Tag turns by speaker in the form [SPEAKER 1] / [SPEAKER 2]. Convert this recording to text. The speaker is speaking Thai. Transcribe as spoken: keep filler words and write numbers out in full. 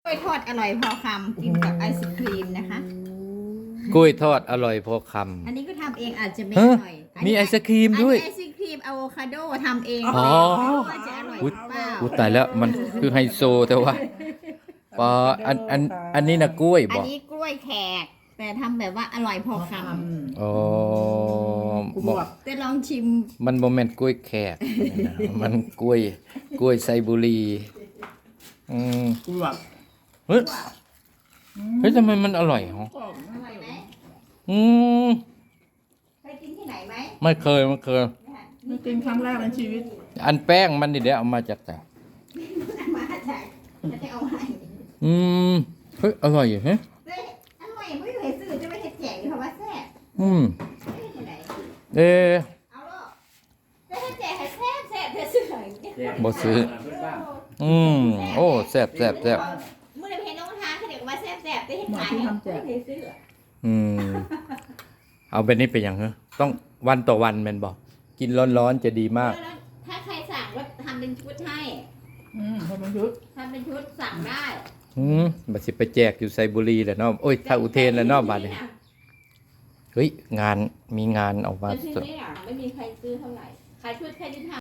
[SPEAKER 1] ล้วยทอดอร่อยพอคำกินกับไอศครีมนะคะ
[SPEAKER 2] กล้วยทอดอร่อยพอคำ
[SPEAKER 1] อันนี้ก็ทำเองอาจจะไม่อ
[SPEAKER 2] เฮ้ย
[SPEAKER 1] ร่อย
[SPEAKER 2] มีไอศครีมด้วย
[SPEAKER 1] อันนี้ไอศครีมอะโวคาโดทำเอง
[SPEAKER 2] อ๋อ
[SPEAKER 1] ไม่รู้ว่าจะอร่อยหรือเปล่า
[SPEAKER 2] อู้ตายแล้วมันคือไฮโซแต่ว่าปออันอันอันนี้นะกล้วย
[SPEAKER 1] อั
[SPEAKER 2] บ
[SPEAKER 1] น
[SPEAKER 2] อก
[SPEAKER 1] นี้กล้วยแขกแต่ทำแบบว่าอร่อยพอค
[SPEAKER 2] อ๋อบอก
[SPEAKER 1] ำแต่ลองชิม
[SPEAKER 2] มันโมเมนต์กล้วยแขก มันกล้วยกล้วยไซบุรีอืม
[SPEAKER 3] กูแบบ
[SPEAKER 2] เฮ้ยเฮ้ยทำไมมันอร่อยหรอ
[SPEAKER 1] อร่อยไหม
[SPEAKER 2] อืม
[SPEAKER 1] เคยกินที่ไหนไหม
[SPEAKER 2] ไม่เคยไม่เคย
[SPEAKER 3] ไม่กินครั้งแรกในชีวิต
[SPEAKER 2] อันแป้งมันนี่เดี๋ยวเอามาจากไหน
[SPEAKER 1] มาจากจะได้เอาให้
[SPEAKER 2] อืมเฮ้ยอร่อยอยู่เฮ้ย
[SPEAKER 1] เฮ้ยอร่อยไม่เคยซื้อจะไม่เห็ดแจกอยู่เพราะว่าแซ่บ
[SPEAKER 2] อืม
[SPEAKER 1] ไม่เห็ดที่ไหน
[SPEAKER 2] เอ๊ะ
[SPEAKER 1] เอาลูกจะเห็ดแจกให้แซ่บแซ่บเธอซื้อไหน
[SPEAKER 2] บ่ซื้อ อืมโอ้แซ่บแซ่บแซ่บ
[SPEAKER 1] เมื่อเห็นน้องทานเขาเดี๋ยวว่าแซ่บแซ่บได้เห็นขายเนี่ยไม่เคยซื้อ
[SPEAKER 2] อืมเอาแบบนี้ไปอย่างเหรอต้องวันต่อวันแมันบอกกินร้อนๆจะดีมาก
[SPEAKER 1] แล้วถ้าใครสั่งก็ทำเป็นชุดให้
[SPEAKER 3] อืมพอมันยุด
[SPEAKER 1] ทำเป็นชุดสั่งได้
[SPEAKER 2] อืมบัดสิไปแจกอยู่ไซบุรีแหละเนาะโอ้ยถ้าอุเทนแล้วเนาะบัดนี้เฮ้ยงานมีงานออกมา
[SPEAKER 1] แต่ที่
[SPEAKER 2] สด
[SPEAKER 1] นี่อ่ะไม่มีใครซื้อเท่าไหร่ขายชุดแค่ที่ทำ